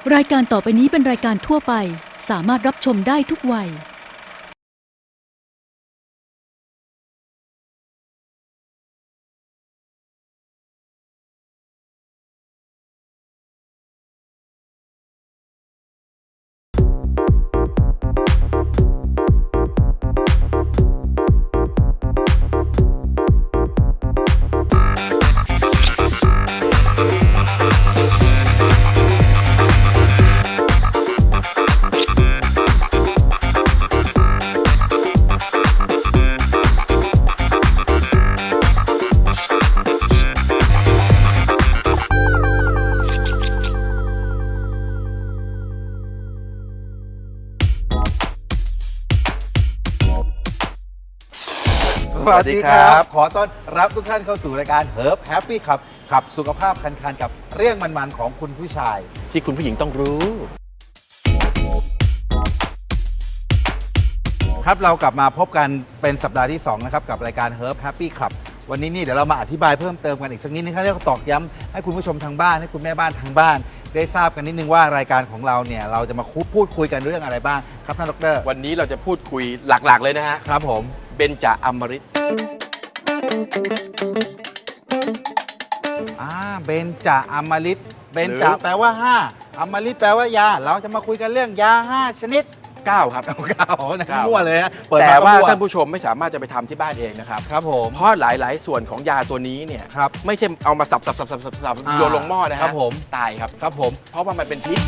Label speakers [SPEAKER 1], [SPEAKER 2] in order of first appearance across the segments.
[SPEAKER 1] รายการต่อไปนี้เป็นรายการทั่วไปสามารถรับชมได้ทุกวัย
[SPEAKER 2] สวัสดีครับ ขอต้อนรับทุกท่านเข้าสู่รายการ Herb Happy ขับสุขภาพคันๆกับเรื่องมันๆของคุณผู้ชาย
[SPEAKER 3] ที่คุณผู้หญิงต้องรู้
[SPEAKER 2] ครับเรากลับมาพบกันเป็นสัปดาห์ที่2นะครับกับรายการ Herb Happy ครับวันนี้นี่เดี๋ยวเรามาอธิบายเพิ่มเติมกันอีกสักนิดนึงครับเรียกว่าตอกย้ำให้คุณผู้ชมทางบ้านให้คุณแม่บ้านทางบ้าน ได้ทราบกันนิดนึงว่ารายการของเราเนี่ยเราจะมาพูดคุยกันเรื่องอะไรบ้างครับท่านดร.
[SPEAKER 3] วันนี้เราจะพูดคุยหลักๆเลยนะฮะ
[SPEAKER 2] ครับผม
[SPEAKER 3] เบญจอมฤต
[SPEAKER 2] เบญจอมฤตเบญจแปลว่า5อมฤตแปลว่ายาเราจะมาคุยกันเรื่องยา5ชนิด
[SPEAKER 3] 9ครับ
[SPEAKER 2] 9นะมั่วเลยฮะ
[SPEAKER 3] แต่ว่าท่านผู้ชมไม่สามารถจะไปทำที่บ้านเองนะครับ
[SPEAKER 2] ครับผม
[SPEAKER 3] เพราะหลายๆส่วนของยาตัวนี้เนี่ยไม่ใช่เอามาสับโยนลงหม้อนะฮะ
[SPEAKER 2] ครับผม
[SPEAKER 3] ตายครับ
[SPEAKER 2] ครับผม
[SPEAKER 3] เพราะว่ามันเป็นพิษ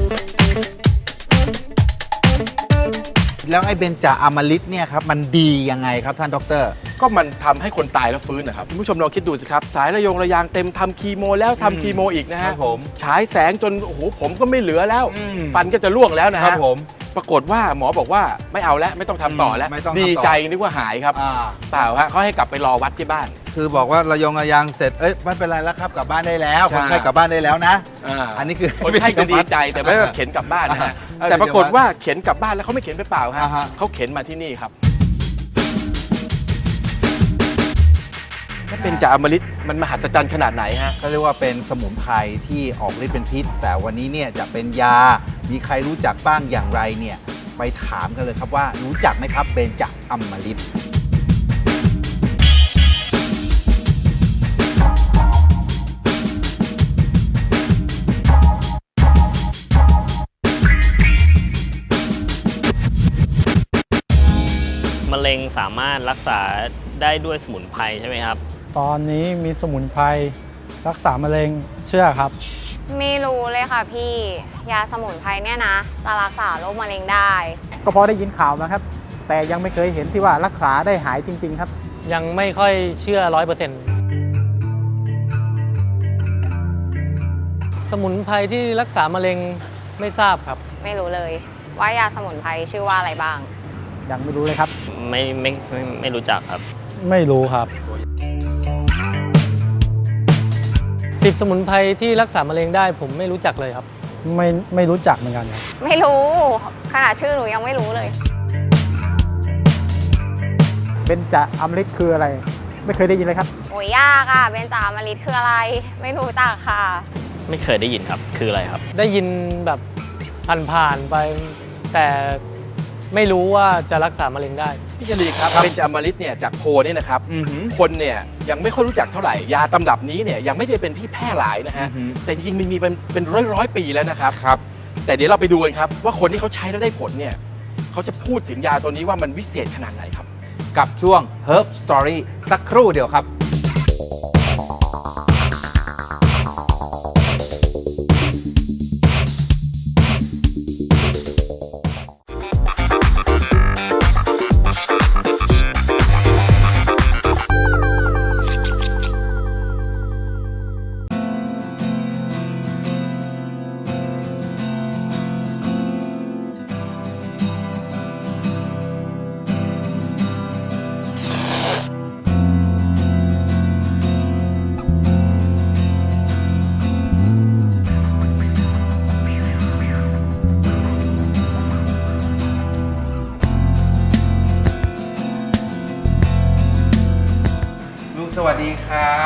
[SPEAKER 2] แล้วไอ้เบญจอมฤตเนี่ยครับมันดียังไงครับท่านดร.
[SPEAKER 3] ก็มันทำให้คนตายแล้วฟื้นนะครับคุณผู้ชมลองคิดดูสิครับสายระยางเต็มทำคีโมแล้วทำคีโมอีกนะฮะฉายแสงจนโอ้โหผมก็ไม่เหลือแล้วฟันก็จะร่วงแล้วนะฮะปรากฏว่าหมอบอกว่าไม่เอาแล้วไม่ต้องทำต่อแล้วดีใจนึกว่าหายครับเปล่าฮะเขาให้กลับไปรอวัดที่บ้าน
[SPEAKER 2] คือบอกว่าระยางเสร็จไม่เป็นไรแล้วครับกลับบ้านได้แล้วคนไข้กลับบ้านได้แล้วนะอันนี้คือ
[SPEAKER 3] คนไข้จะดีใจแต่ไม่ว่าเข็นกลับบ้านนะฮะแต่ปรากฏว่าเข็นกลับบ้านแล้วเขาไม่เข็นไปเปล่าฮะเขาเข็นมาที่นี่ครับเบญจอมฤตมันมหัศจรรย์ขนาดไหนฮะ
[SPEAKER 2] เขาเรียกว่าเป็นสมุนไพรที่ออกฤทธิ์เป็นพิษแต่วันนี้เนี่ยจะเป็นยามีใครรู้จักบ้างอย่างไรเนี่ยไปถามกันเลยครับว่ารู้จักไหมครับเบญจอมฤต
[SPEAKER 4] มะเร็งสามารถรักษาได้ด้วยสมุนไพรใช่ไหมครับ
[SPEAKER 5] ตอนนี้มีสมุนไพรรักษามะเร็งเชื่อครับ
[SPEAKER 6] ไม่รู้เลยค่ะพี่ยาสมุนไพรเนี่ยนะจะรักษาโรคมะเร็งได้
[SPEAKER 5] ก็พอได้ยินข่าวนะครับแต่ยังไม่เคยเห็นที่ว่ารักษาได้หายจริงๆครับ
[SPEAKER 4] ยังไม่ค่อยเชื่อ100%สมุนไพรที่รักษามะเร็งไม่ทราบครับ
[SPEAKER 6] ไม่รู้เลยว่ายาสมุนไพรชื่อว่าอะไรบ้าง
[SPEAKER 5] ยังไม่รู้เลยครับ
[SPEAKER 4] ไม่รู้จักครับ
[SPEAKER 5] ไม่รู้ครับ
[SPEAKER 4] 10 สมุนไพรที่รักษามะเร็งได้ผมไม่รู้จักเลยครับ
[SPEAKER 5] ไม่รู้จักเหมือนกันครับ
[SPEAKER 6] ไม่รู้ขนาดชื่อหนูยังไม่รู้เลย
[SPEAKER 5] เบญจอมฤตคืออะไรไม่เคยได้ยินเลยครับ
[SPEAKER 6] โอ้ยยากอ่ะเบญจอมฤตคืออะไรไม่รู้จักค่ะ
[SPEAKER 4] ไม่เคยได้ยินครับคืออะไรครับได้ยินแบบผ่านไปแต่ไม่รู้ว่าจะรักษามะเร็งได้
[SPEAKER 3] พี่จรีครับเบญจอมฤตเนี่ยจากโพนี่นะครับคนเนี่ยยังไม่ค่อยรู้จักเท่าไหร่ยาตำรับนี้เนี่ยยังไม่ได้เป็นที่แพร่หลายนะฮะแต่จริงๆมันมีเป็นร้อยปีแล้วนะครับแต่เดี๋ยวเราไปดูกันครับว่าคนที่เขาใช้แล้วได้ผลเนี่ยเขาจะพูดถึงยาตัวนี้ว่ามันวิเศษขนาดไหนครับ
[SPEAKER 2] กับช่วง Herb Story สักครู่เดียวครับ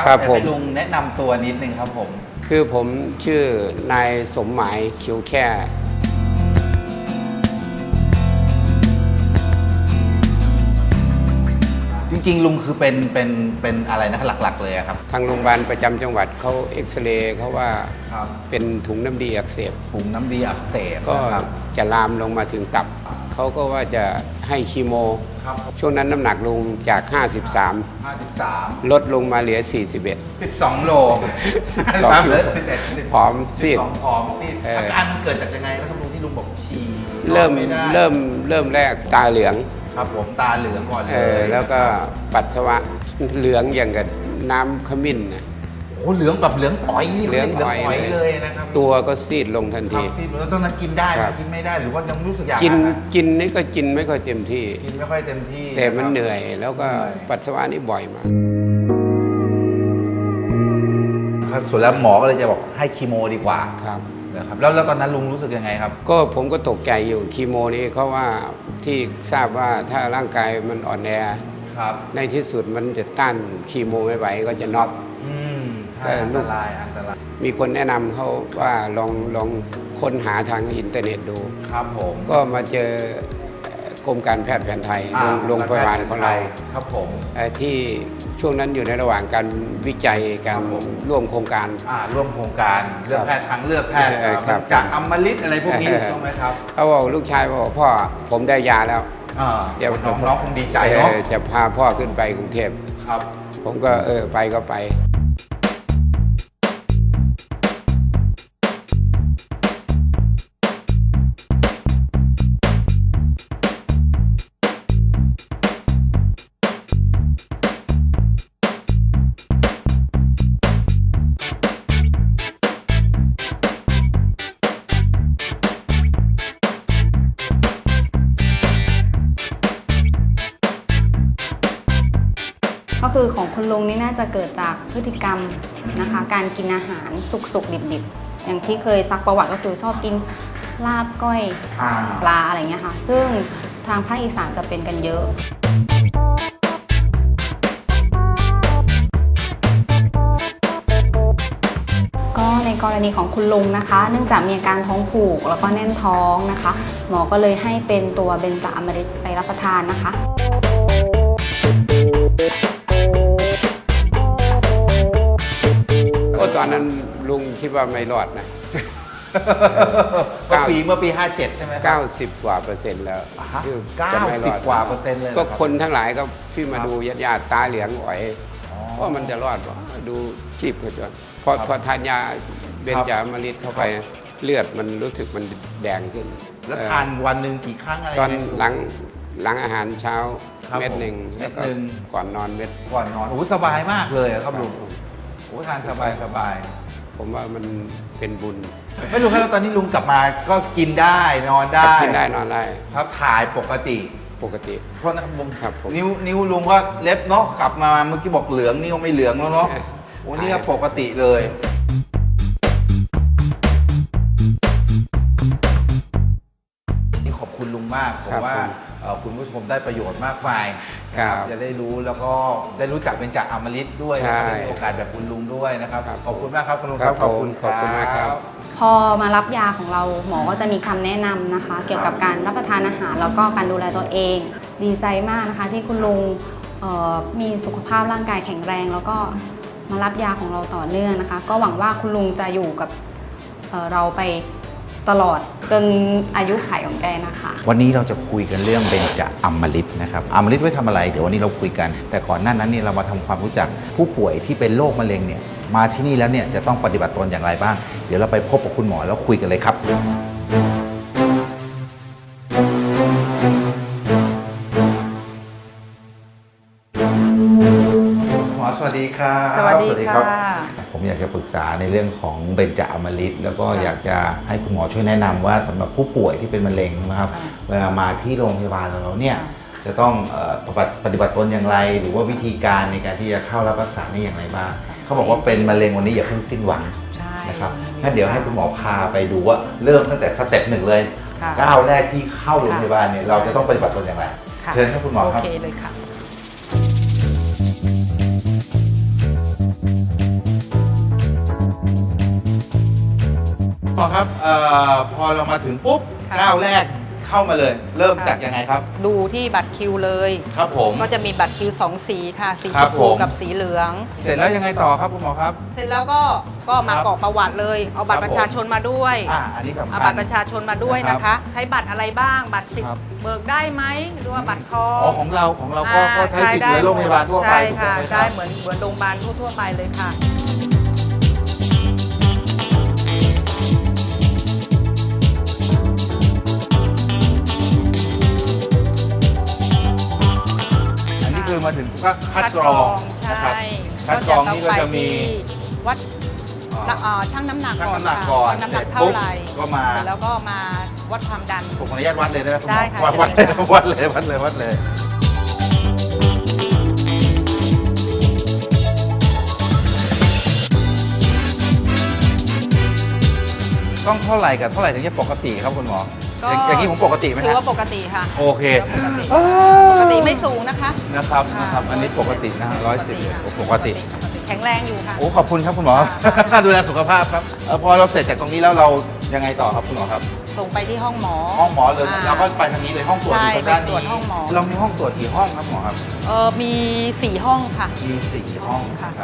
[SPEAKER 7] ครับผม
[SPEAKER 2] ให้ลุงแนะนำตัวนิดนึงครับผม
[SPEAKER 7] คือผมชื่อนายสมหมายเขียวแค่
[SPEAKER 2] จริงๆลุงคือเป็นอะไรนะหลักๆเลยอะครับ
[SPEAKER 7] ทางโรงพยาบาลประจำจังหวัดเขาเอ็กซเรย์เขาว่า
[SPEAKER 2] ครับ
[SPEAKER 7] เป็นถุงน้ำดีอักเสบ
[SPEAKER 2] ถุงน้ำดีอักเสบ
[SPEAKER 7] ก็
[SPEAKER 2] นะครับ
[SPEAKER 7] จะลามลงมาถึงตับ เขาก็ว่าจะให้คีโม
[SPEAKER 2] ครับ
[SPEAKER 7] ช่วงนั้นน้ำหนักลงจาก 53
[SPEAKER 2] 53
[SPEAKER 7] ลดลงมาเหลือ 41
[SPEAKER 2] 12 โล
[SPEAKER 7] สอง
[SPEAKER 2] เหลือ11
[SPEAKER 7] ผอมซีด
[SPEAKER 2] 12ผอมซีด
[SPEAKER 7] เอออ
[SPEAKER 2] อาการมันเกิดจากยังไงนะครับลุงที่ลุงบอกฉี่
[SPEAKER 7] เริ่ม
[SPEAKER 2] นอนไม่ได้
[SPEAKER 7] เริ่มแรกตาเหลือง
[SPEAKER 2] ครับผมตาเหลืองก่อนเลย
[SPEAKER 7] แล้วก็ปัสสาวะเหลืองอย่างกับน้ำขมิ้นนะ
[SPEAKER 2] โอ้โหเหลืองแบบเหลืองอ๋อยนี่
[SPEAKER 7] เหลืองอ๋อย
[SPEAKER 2] เลยนะครับ
[SPEAKER 7] ตัวก็ซีดลงทัน
[SPEAKER 2] ครั
[SPEAKER 7] ที
[SPEAKER 2] บซีดแล้วตอนนั้นกินได้ไหม
[SPEAKER 7] ครับ
[SPEAKER 2] กินไม่ได้หรือว่ายังรู้สึกอยาก
[SPEAKER 7] กิน
[SPEAKER 2] อาหาร
[SPEAKER 7] กินนี่ก็กินไม่ค่อยเต็มที่
[SPEAKER 2] กินไม่ค่อยเต็มที่
[SPEAKER 7] แต่มัน
[SPEAKER 2] ะครับ
[SPEAKER 7] เหนื่อยแล้วก็ปัสสาวะนี่บ่อยมาก
[SPEAKER 2] ครับส่วนแล้วหมอก็เลยจะบอกให้คีโมดีกว่า
[SPEAKER 7] ครับ
[SPEAKER 2] นะครับแล้วตอนนั้นลุงรู้สึกยังไงครับ
[SPEAKER 7] ก็ผมก็ตกใจอยู่คีโมนี่เขาว่าที่ทราบว่าถ้าร่างกายมันอ่อนแอ
[SPEAKER 2] ครับ
[SPEAKER 7] ในที่สุดมันจะต้านคีโมไม่ไหวก็จะน็อก
[SPEAKER 2] อืม
[SPEAKER 7] แต่
[SPEAKER 2] ใช่อัน
[SPEAKER 7] ลู
[SPEAKER 2] ต
[SPEAKER 7] ก
[SPEAKER 2] รายอันตราย
[SPEAKER 7] มีคนแนะนำเขาว่าลองค้นหาทางอินเทอร์เน็ตดู
[SPEAKER 2] ครับผม
[SPEAKER 7] ก็มาเจอกรมการแพทย์แผนไทย
[SPEAKER 2] อ่า
[SPEAKER 7] โรงพยาบาลของเรา
[SPEAKER 2] ครับผม
[SPEAKER 7] ที่ช่วงนั้นอยู่ในระหว่างการวิจัยการ
[SPEAKER 2] ครับผม
[SPEAKER 7] ร่วมโครงการ
[SPEAKER 2] ร่วมโครงการเลือกแพทย์ทางเลือกแพทย์
[SPEAKER 7] ครับ
[SPEAKER 2] จากอมฤตอะไรพวกนี้
[SPEAKER 7] เออ
[SPEAKER 2] ถูกต้องไหมครับ
[SPEAKER 7] เขาบอกลูกชายบอกพ่อผมได้ยาแล้ว เดี๋ยว
[SPEAKER 2] น้องคงดีใจเนาะ
[SPEAKER 7] จะพาพ่อขึ้นไปกรุงเทพ
[SPEAKER 2] ครับ
[SPEAKER 7] ผมก็ไปก็ไป
[SPEAKER 6] ก็คือของคุณลุงนี่น่าจะเกิดจากพฤติกรรมนะคะ การกินอาหารสุกๆดิบๆ อย่างที่เคยซักประวัติก็คือชอบกินลาบก้อยปลาอะไรเงี้ยค่ะ ซึ่งทางภาคอีสานจะเป็นกันเยอะ ก็ในกรณีของคุณลุงนะคะ เนื่องจากมีอาการท้องผูกแล้วก็แน่นท้องนะคะ หมอก็เลยให้เป็นตัวเบนจาอมฤตไปรับประทานนะคะ
[SPEAKER 7] ก็ตอนนั้นลุงคิดว่าไม่รอดนะ
[SPEAKER 2] เมื่อปี 57 ใช่ไหมครับ
[SPEAKER 7] 90 กว่าเปอร์เซ็นต์แล้ว
[SPEAKER 2] ฮะ
[SPEAKER 7] ที่จะไม่รอด
[SPEAKER 2] 90 กว่าเปอร์เซ็นต์เลยเหรอ
[SPEAKER 7] ก็
[SPEAKER 2] ครับ
[SPEAKER 7] คนทั้งหลายก็ที่มาดูญาติๆตาเหลืองอ๋อยว่ามันจะรอดป่ะดูชีพเขาจนพอทานยาเบนจาอมฤตเข้าไปเลือดมันรู้สึกมันแดงขึ้น
[SPEAKER 2] แล้วทานวันหนึ่งกี่ครั้งอะไร
[SPEAKER 7] ตอน
[SPEAKER 2] ยังไง
[SPEAKER 7] หลังอาหารเช้า
[SPEAKER 2] ครับ
[SPEAKER 7] เม็ดหนึ่ง
[SPEAKER 2] ผม
[SPEAKER 7] แล้วก็
[SPEAKER 2] เม็ดหนึ่ง
[SPEAKER 7] ก่อนนอนเม็ด
[SPEAKER 2] ก่อนนอนโอ้โหสบายมากเลยอะครับลุงโอ้โหทานสบายสบาย
[SPEAKER 7] ผมว่ามันเป็นบุญ
[SPEAKER 2] ไม่รู้ครับตอนนี้ลุงกลับมาก็กินได้นอนได้
[SPEAKER 7] กินได้นอนได้
[SPEAKER 2] ครับถ่ายปกติ
[SPEAKER 7] ปกติ
[SPEAKER 2] เพราะนะครับลุง
[SPEAKER 7] ครับผม
[SPEAKER 2] นิ้วลุงก็เล็บเนาะกลับมาเมื่อกี้บอกเหลืองนิ้วไม่เหลืองแล้วเนาะ
[SPEAKER 7] เออ
[SPEAKER 2] โอ้นี่ก็ปกติเลย นี่ขอบคุณลุงมากผมว่าคุณผู้ชมได้ประโยชน์มากมาย
[SPEAKER 7] ครับ
[SPEAKER 2] จะได้รู้แล้วก็ได้รู้จักเป็นจากอมฤตด้วย
[SPEAKER 7] ใช่
[SPEAKER 2] นะครับได้มีโอกาสแบบคุณลุงด้วยนะครับ
[SPEAKER 7] ครับ
[SPEAKER 2] ขอบคุณมากครับคุณลุง
[SPEAKER 7] ครับ
[SPEAKER 2] ขอบคุณ
[SPEAKER 7] ขอบคุณมากครับ
[SPEAKER 6] พอมารับยาของเราหมอก็จะมีคำแนะนำนะคะ เกี่ยวกับการรับประทานอาหารแล้วก็การดูแลตัวเอง ดีใจมากนะคะที่คุณลุงมีสุขภาพร่างกายแข็งแรง แล้วก็มารับยาของเราต่อเนื่องนะคะ ก็หวังว่าคุณลุงจะอยู่กับเราไปตลอดจนอายุขัยของแกนะคะ
[SPEAKER 2] วันนี้เราจะคุยกันเรื่องเบญจอมฤตนะครับอมฤตไว้ทำอะไรเดี๋ยววันนี้เราคุยกัน แต่ก่อนหน้านั้นเนี่ยเรามาทำความรู้จักผู้ป่วยที่เป็นโรคมะเร็งเนี่ยมาที่นี่แล้วเนี่ยจะต้องปฏิบัติตนอย่างไรบ้าง เดี๋ยวเราไปพบกับคุณหมอแล้วคุยกันเลยครับหมอสวัสดีครับ
[SPEAKER 8] สวัสดีค่ะ
[SPEAKER 2] ผมอยากจะปรึกษาในเรื่องของเบญจอมฤตแล้วก็อยากจะให้คุณหมอช่วยแนะนำว่าสำหรับผู้ป่วยที่เป็นมะเร็งนะครับเวลามาที่โรงพยาบาลเราเนี่ยจะต้องปฏิบัติตนอย่างไร หรือว่าวิธีการในการที่จะเข้ารับรักษานี่อย่างไรบ้างเขาบอกว่าเป็นมะเร็งวันนี้อย่าเพิ่งสิ้นหวัง
[SPEAKER 8] ใช่
[SPEAKER 2] นะครับงั้นเดี๋ยวให้คุณหมอพาไปดูว่าเริ่มตั้งแต่สเต็ปหนึ่งเลย
[SPEAKER 8] ค่ะ
[SPEAKER 2] ก้าวแรกที่เข้าโรงพยาบาลเนี่ยเราจะต้องปฏิบัติตนอย่างไร
[SPEAKER 8] ค่ะ
[SPEAKER 2] เชิญครับคุณหมอครับ
[SPEAKER 8] โอเคเลยค่ะ
[SPEAKER 2] มอครับพอเรามาถึงปุ๊บ
[SPEAKER 8] ค่ะ
[SPEAKER 2] ก้าวแรกเข้ามาเลย เริ่มจากยังไงครับ
[SPEAKER 8] ดูที่บัตรคิวเลย
[SPEAKER 2] ครับผม
[SPEAKER 8] ก็จะมีบัตรคิว 2 สีค่ะ สี
[SPEAKER 2] ค
[SPEAKER 8] ช
[SPEAKER 2] รับ
[SPEAKER 8] ม
[SPEAKER 2] ผ
[SPEAKER 8] พู
[SPEAKER 2] ม
[SPEAKER 8] กับสีเหลือง
[SPEAKER 2] เสร็จแล้วยังไงต่อครับคุณหมอครับ
[SPEAKER 8] เสร็จแล้วก็มา
[SPEAKER 2] ครับ
[SPEAKER 8] กรอกประวัติเลย เอาบัต
[SPEAKER 2] ครั
[SPEAKER 8] ร
[SPEAKER 2] บ
[SPEAKER 8] ประชาชนมาด้วย
[SPEAKER 2] อันนี้สำคั
[SPEAKER 8] เอา
[SPEAKER 2] ญ
[SPEAKER 8] บัตรประชาชนมาด้วย
[SPEAKER 2] นะ
[SPEAKER 8] นะ
[SPEAKER 2] ครั
[SPEAKER 8] คะ
[SPEAKER 2] บ
[SPEAKER 8] ใช้บัตรอะไรบ้าง บัตรสิท
[SPEAKER 2] ครับ
[SPEAKER 8] ธิ์เบิกได้ไหมหรือว่าบัตรทอง
[SPEAKER 2] อ๋อของเราก็ใช้สิทธิ์เหมือนโรงพยาบาลทั่วไป
[SPEAKER 8] ใช่
[SPEAKER 2] ถูกต้
[SPEAKER 8] ค่ะ
[SPEAKER 2] องไหมค
[SPEAKER 8] ได้
[SPEAKER 2] รับ
[SPEAKER 8] เหมือนโรงพยาบาลทั่วๆไปเลยค่ะ
[SPEAKER 2] อันนี้คือมาถึงก็คัดกรองนะครับ
[SPEAKER 8] ใช่
[SPEAKER 2] คัดกรองนี่ก็จะมี
[SPEAKER 8] วัดชั่งน้ำหนัก
[SPEAKER 2] ชั่ง
[SPEAKER 8] ก่อน
[SPEAKER 2] น้ำหนัก
[SPEAKER 8] ค่ะ
[SPEAKER 2] ก่อน
[SPEAKER 8] ว่าน้ำหนัก
[SPEAKER 2] เสร็จ
[SPEAKER 8] เท่าไหร่
[SPEAKER 2] ปุ๊บก็มา
[SPEAKER 8] เสร็จแล้วก็มาวัดความดัน
[SPEAKER 2] ผมขออนุญาตวัดเลยได้ไหมคุณหมอ
[SPEAKER 8] ได้ค่ะ
[SPEAKER 2] วัด
[SPEAKER 8] เชิญค่ะ
[SPEAKER 2] วัดเลย ต้องเท่าไหร่กับเท่าไหร่ถึงจะปกติครับคุณหมอ อย่างนี้ผมปกติไหม
[SPEAKER 8] ถือ
[SPEAKER 2] ฮะ
[SPEAKER 8] ว่าปกติค่ะ
[SPEAKER 2] โอเค
[SPEAKER 8] ปกติไม่สูงนะคะ
[SPEAKER 2] นะครับอันนี้ปกตินะ110ปกติ
[SPEAKER 8] แข็งแรงอยู่ค่ะ
[SPEAKER 2] โอ้ขอบคุณครับคุณหมอ
[SPEAKER 8] ค่ะ
[SPEAKER 2] ดูแลสุขภาพครับพอเราเสร็จจากตรงนี้แล้วเรายังไงต่อครับคุณหมอครับ
[SPEAKER 8] ส่งไปที่ห้องหมอ
[SPEAKER 2] ห้องหมอเลยเราก็ไปทางนี้เลยห้องตรวจอยู่ทางด้าน
[SPEAKER 8] ใช่ไปตรวจ
[SPEAKER 2] นี้
[SPEAKER 8] ห้องหมอ
[SPEAKER 2] เรามีห้องตรวจกี่ห้องครับหมอครับ
[SPEAKER 8] มี 4 ห้องค่ะ
[SPEAKER 2] มี4ห้อง
[SPEAKER 8] ค่ะ
[SPEAKER 2] ครับ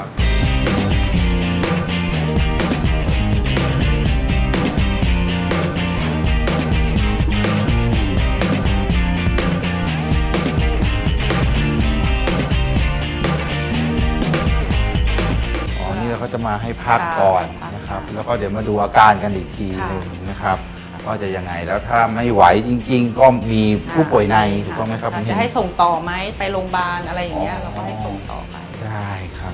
[SPEAKER 2] อ๋อ นี่เราก็จะมาให้พักก่อนนะครับ แล้วก็เดี๋ยวมาดูอาการกันอีกทีหนึงนะครับว่าจะยังไง แล้วถ้าไม่ไหวจริง ๆ ก็มีผู้ป่วยในถูกต้องไหมครับ
[SPEAKER 8] จะให้ส่งต่อไหมไปโรงพยาบาลอะไรอย่างเงี้ยเราก็ให้ส่งต่อไป
[SPEAKER 2] ได้ครับ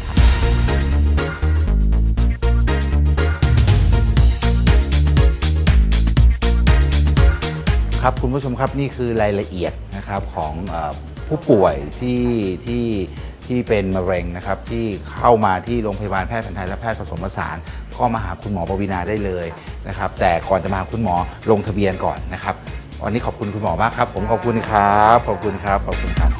[SPEAKER 2] ครับคุณผู้ชมครับนี่คือรายละเอียดนะครับของผู้ป่วยที่เป็นมะเร็งนะครับที่เข้ามาที่โรงพยาบาลแพทย์แผนไทยและแพทย์ผสมผสานก็มาหาคุณหมอปวีณาได้เลยนะครับแต่ก่อนจะมาหาคุณหมอลงทะเบียนก่อนนะครับวันนี้ขอบคุณคุณหมอมากครับผมขอบคุณครับขอบคุณครับขอบคุณครับ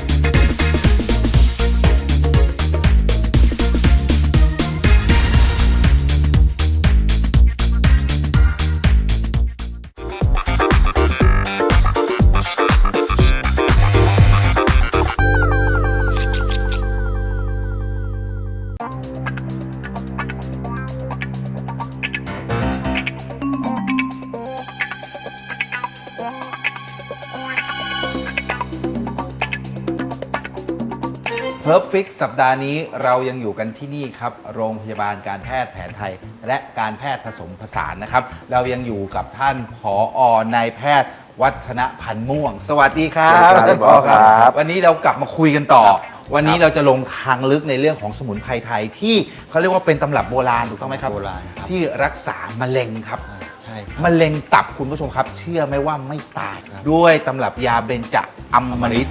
[SPEAKER 2] เฮิร์บฟิกสัปดาห์นี้เรายังอยู่กันที่นี่ครับโรงพยาบาลการแพทย์แผนไทย และการแพทย์ผสมผสานนะครับเรายังอยู่กับท่านผอนายแพทย์วัฒนพันธ์ม่วง สวัสดีครับ
[SPEAKER 9] สวัสดีครับ
[SPEAKER 2] ท่านผอครับวันนี้เรากลับมาคุยกันต่อ วันนี้
[SPEAKER 9] ครับ
[SPEAKER 2] เราจะลงทางลึกในเรื่องของสมุนไพรไทยที่เขาเรียกว่าเป็นตำรับโบราณถูกต้องไหมครับ
[SPEAKER 9] โบราณครับ
[SPEAKER 2] ที่รักษามะเร็งครับ
[SPEAKER 9] ใช่ครับ
[SPEAKER 2] มะเร็งตับคุณผู้ชมครับ เชื่อไหมว่าไม่ตายด้วยตำรับยาเบญจอมฤต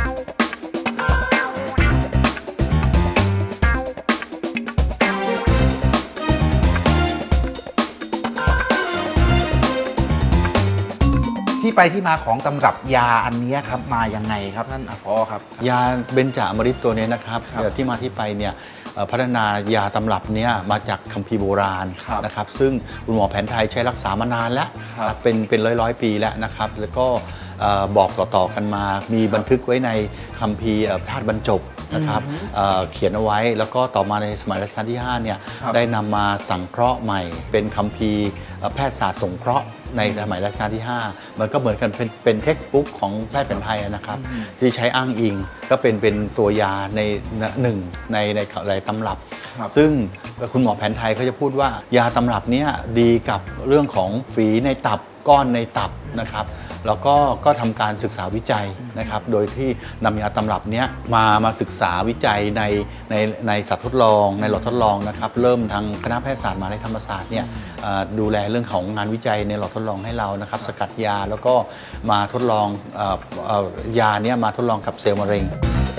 [SPEAKER 2] ที่ไปที่มาของตำรับยาอันนี้ครับมายังไงครับท่านผอครับ
[SPEAKER 9] ยาเบญจอมฤตตัวนี้นะครับ
[SPEAKER 2] ครับ
[SPEAKER 9] ที่มาที่ไปเนี่ยพัฒนายาตำรับเนี้ยมาจากคัมภีร์โบราณ
[SPEAKER 2] ครับ
[SPEAKER 9] นะครับซึ่งคุณหมอแผนไทยใช้รักษามานานแล้ว
[SPEAKER 2] ครับ
[SPEAKER 9] เป็นร้อยปีแล้วนะครับแล้วก็บอกต่อๆกันมา มีบันทึกไว้ในคัมภีร์แพทย์บรรจบนะครับเขียนเอาไว้แล้วก็ต่อมาในสมัยรัชกาลที่5เนี่ย
[SPEAKER 2] ครับ
[SPEAKER 9] ได้นำมาสังเคราะห์ใหม่ เป็นคัมภีร์แพทยศาสตร์สงเคราะห์ในสมัยรัชกาลที่ 5 มันก็เหมือนกันเป็นเทคนิคของแพทย์แผนไทยนะครับ ที่ใช้อ้างอิงก็เป็นตัวยาในหนึ่งในตำรับ
[SPEAKER 2] ครับ
[SPEAKER 9] ซึ่งคุณหมอแผนไทยเขาจะพูดว่ายาตำรับเนี้ยดีกับเรื่องของฝีในตับก้อนในตับนะครับแล้วก็ทำการศึกษาวิจัยนะครับโดยที่นำยาตำรับเนี้ยมาศึกษาวิจัยในสัตว์ทดลองในหลอดทดลองนะครับเริ่มทางคณะแพทยศาสตร์มหาวิทยาลัยธรรมศาสตร์เนี่ยดูแลเรื่องของงานวิจัยในหลอดทดลองให้เรานะครับสกัดยาแล้วก็มาทดลองยาเนี้ยมาทดลองกับเซลล์มะเร็ง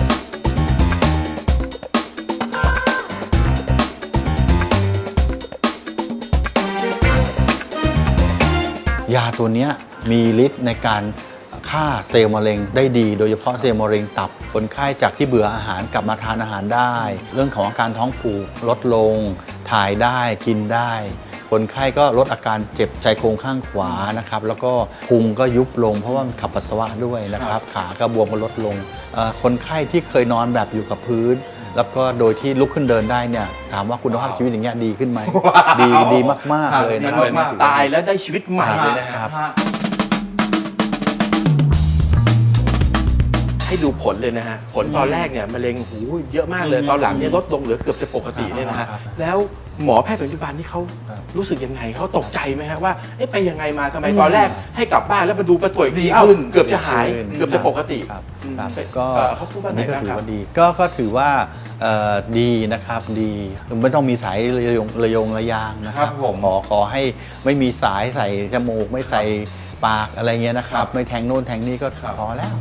[SPEAKER 9] ยาตัวเนี้ยมีฤทธิ์ในการฆ่าเซลล์มะเร็งได้ดี โดยเฉพาะเซลล์มะเร็งตับคนไข้จากที่เบื่ออาหารกลับมาทานอาหารได้ เรื่องของอาการท้องผูกลดลงถ่ายได้กินได้ คคนไข้ก็ลดอาการเจ็บชายโครงข้างขวานะครับแล้วก็พุงก็ยุบลงเพราะว่ามันขับปัสสาวะด้วยนะครับขาก็บวมก็ลดลงคนไข้ที่เคยนอนแบบอยู่กับพื้นแล้วก็โดยที่ลุกขึ้นเดินได้เนี่ยถามว่าคุณภาพชีวิตอย่างเงี้ยดีขึ้นไหมดีมากๆเลย
[SPEAKER 3] มั
[SPEAKER 9] นะ
[SPEAKER 3] น
[SPEAKER 9] ค
[SPEAKER 3] เห
[SPEAKER 9] รับ
[SPEAKER 3] มือนตายแล้วได้ชีวิตใหม่เลยนะครับให้ดูผลเลยนะฮะผลตอนแรกเนี่ยมะเร็งหูเยอะมากเลยตอนหลังเนี่ยลดลงเหลือเกือบจะปกติเนี่ยนะฮะแล้วหมอแพทย์ปัจจุบันนี่เขารู้สึกยังไงเขาตกใจไหมฮะว่าไปยังไงมาทำไมตอนแรกให้กลับบ้านแล้วมาดูประตรวจดีขึ้นเกือบจะหายเกือบจะปกติ
[SPEAKER 9] ครับก็
[SPEAKER 3] เขาพูดว่า
[SPEAKER 9] อัน
[SPEAKER 3] ไง
[SPEAKER 9] นี้ก็
[SPEAKER 3] บ้าง
[SPEAKER 9] ถื
[SPEAKER 3] ค
[SPEAKER 9] อ
[SPEAKER 3] รับ
[SPEAKER 9] ว่าดีก็ถือว่าดีนะครับดีไม่ต้องมีสายระยงระยางนะครับขอให้ไม่มีสายใส่จมูกไม่ใส่ปากอะไรเงี้ยนะครับไม่แทงโน่นแทงนี่ก็พอแล้ว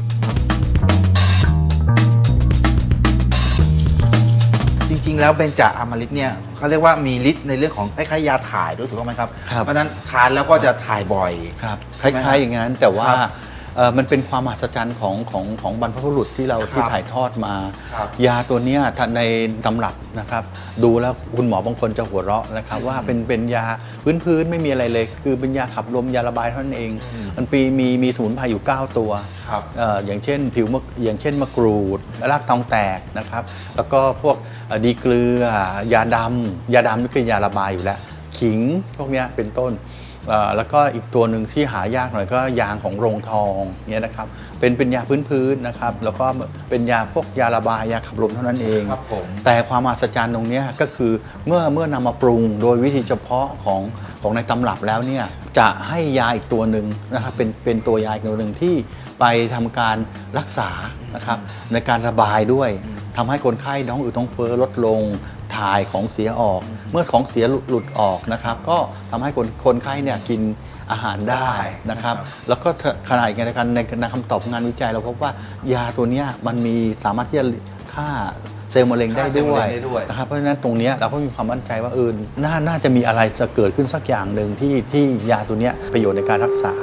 [SPEAKER 2] จริงๆแล้วเบญจอมฤตเนี่ยเขาเรียกว่ามีฤทธิ์ในเรื่องของคล้ายๆยาถ่ายด้วยถูกต้องไหมครับเพราะฉะนั้นทานแล้วก็จะถ่ายบ่อย
[SPEAKER 9] ครับคล้ายๆอย่างนั้นแต่ว่ามันเป็นความมหัศจรรย์ของบรรพบุรุษที่เราที่ถ่ายทอดมา ยาตัวนี้ในตำรับนะครับดูแล้วคุณหมอบางคนจะหัวเราะนะครับว่าเป็นยาพื้นๆไม่มีอะไรเลยคือเป็นยาขับลมยาระบายเท่านั้นเองมันมีสมุนไพรอยู่9ตัวอย่างเช่นอย่างเช่นมะกรูดรากตองแตกนะครับแล้วก็พวกดีเกลือยาดำนี่คือยาระบายอยู่แล้วขิงพวกนี้เป็นต้นแล้วก็อีกตัวหนึ่งที่หายากหน่อยก็ยางของโรงทองเนี่ยนะครับเป็นยาพื้นๆนะครับแล้วก็เป็นยาพวกยาระบายยาขับลมเท่านั้นเองแต่ความมหัศจรรย์ตรงนี้ก็คือเมื่อนำมาปรุงโดยวิธีเฉพาะของในตำรับแล้วเนี่ยจะให้ยาอีกตัวหนึ่งนะครับเป็นตัวยาอีกตัวหนึ่งที่ไปทำการรักษานะครับในการระบายด้วยทำให้คนไข้ท้องอืดท้องเฟ้อลดลงถ่ายของเสียออกเมื่อของเสียหลุดออกนะครับก็ทำให้คนไข้เนี่ยกินอาหารได้นะครับแล้วก็ขณะเดียวกันในคำตอบงานวิจัยเราพบว่ายาตัวนี้มันมีสามารถที่จะฆ่าเซลล์มะเร็งได้ด้วยนะครับเพราะฉะนั้นตรงนี้เราก็มีความมั่นใจว่าน่าจะมีอะไรจะเกิดขึ้นสักอย่างหนึ่งที่ยาตัวนี้ประโยชน์ในการรักษา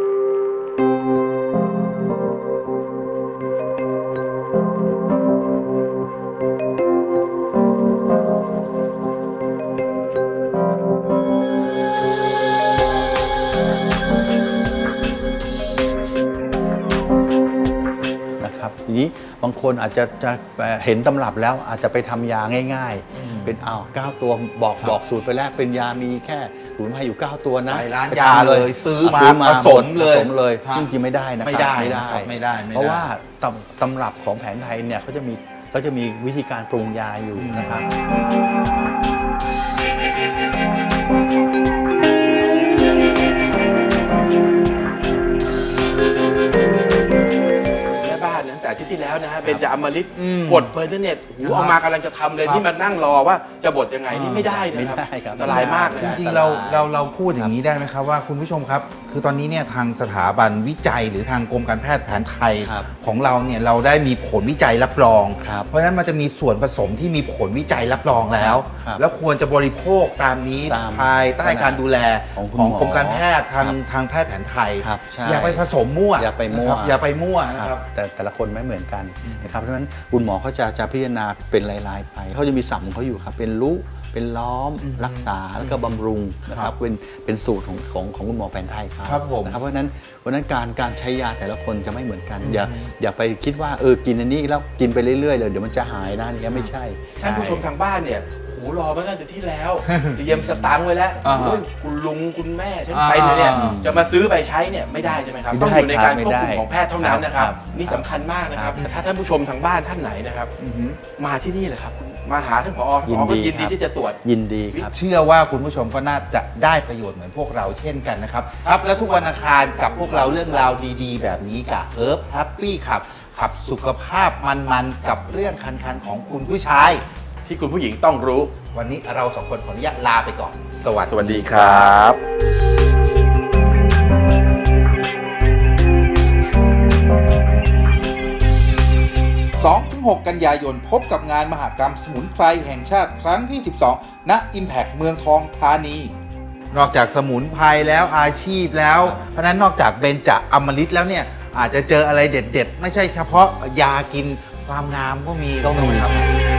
[SPEAKER 9] ทีนี้บางคนอาจจะเห็นตำรับแล้วอาจจะไปทำยาง่ายๆเป็น9ตัวบอกสูตรไปแล้วเป็นยามีแค่สมุนไพรอยู่9ตัวนะ
[SPEAKER 2] ไปร้านยาเลยซื้อมาผสมเลย
[SPEAKER 9] จริงๆไม่ได้นะครับไม่ได้เพราะว่าตำรับของแผนไทยเนี่ยเขาจะมีวิธีการปรุงยาอยู่นะครับ
[SPEAKER 3] อาทิตย์ที่แล้วนะฮะเบญจอมฤตบดเบอร์เทเน็ตเอามากำลังจะทำเลยที่มานั่งรอว่าจะบดยังไงนี่ไม่ได้นะครับอันตรายมาก
[SPEAKER 2] จริงๆเราพูดอย่างนี้ได้ไหมครับว่าคุณผู้ชมครับคือตอนนี้เนี่ยทางสถาบันวิจัยหรือทางกรมการแพทย์แผนไทยของเราเนี่ยเราได้มีผลวิจัยรับรองเพราะฉะนั้นมันจะมีส่วนผสมที่มีผลวิจัยรับรองแล้วควรจะบริโภคตามนี้ภายใต้การดูแลของกรมการแพทย์ทางแพทย์แผนไทยอย่าไปผสมมั่วอย่าไปมั่วนะครับ
[SPEAKER 9] แต่ละคนไม่เหมือนกันนะครับเพราะฉะนั้นคุณหมอเขาจะพิจารณาเป็นรายๆไปเขาจะมีศัพท์ของเขาอยู่ครับเป็นรู้เป็นล้อมรักษาแล้วก็บำรุงนะครับเป็นสูตรของคุณหมอแผนไทยครับนะครับเพราะฉะนั้นการใช้ยาแต่ละคนจะไม่เหมือนกันอย่าไปคิดว่ากินอันนี้แล้วกินไปเรื่อยๆเลยเดี๋ยวมันจะหายนะนี่ไม่ใช่
[SPEAKER 3] ท่านผู้ชมทางบ้านเนี่ยรอมาตั้งแต่ที่แล้วเตรียมสตางค์ไว้แล้วคุณลุงคุณแม่ฉันไปเนี่ยจะมาซื้อไปใช้เนี่ยไม่ได้ใช่ไหมครับต้องอยู่ในการควบคุมของแพทย์เท่านั้นนะครับนี่สำคัญมากนะครับถ้าท่านผู้ชมทางบ้านท่านไหนนะครับมาที่นี่แหละครับมาหาท่านผอ.ก็ยินดีที่จะตรวจ
[SPEAKER 9] ยินดีครับ
[SPEAKER 2] เชื่อว่าคุณผู้ชมก็น่าจะได้ประโยชน์เหมือนพวกเราเช่นกันนะครับและทุกวันอังคารกับพวกเราเรื่องราวดีๆแบบนี้กับเฮิร์บแฮปปี้ขับสุขภาพมันๆกับเรื่องคันๆของคุณผู้ชาย
[SPEAKER 3] ที่คุณผู้หญิงต้องรู้
[SPEAKER 2] วันนี้เรา2คนขออนุญาตลาไปก่อนส
[SPEAKER 3] วัสดีครับ
[SPEAKER 2] 2-6 กันยายนพบกับงานมหกรรมสมุนไพรแห่งชาติครั้งที่ 12 ณ Impact เมืองทองธานีนอกจากสมุนไพรแล้วอาชีพแล้วเพราะนั้นนอกจากเบญจอมฤตแล้วเนี่ยอาจจะเจออะไรเด็ดๆไม่ใช่เฉพาะยากินความงามก็มีครับ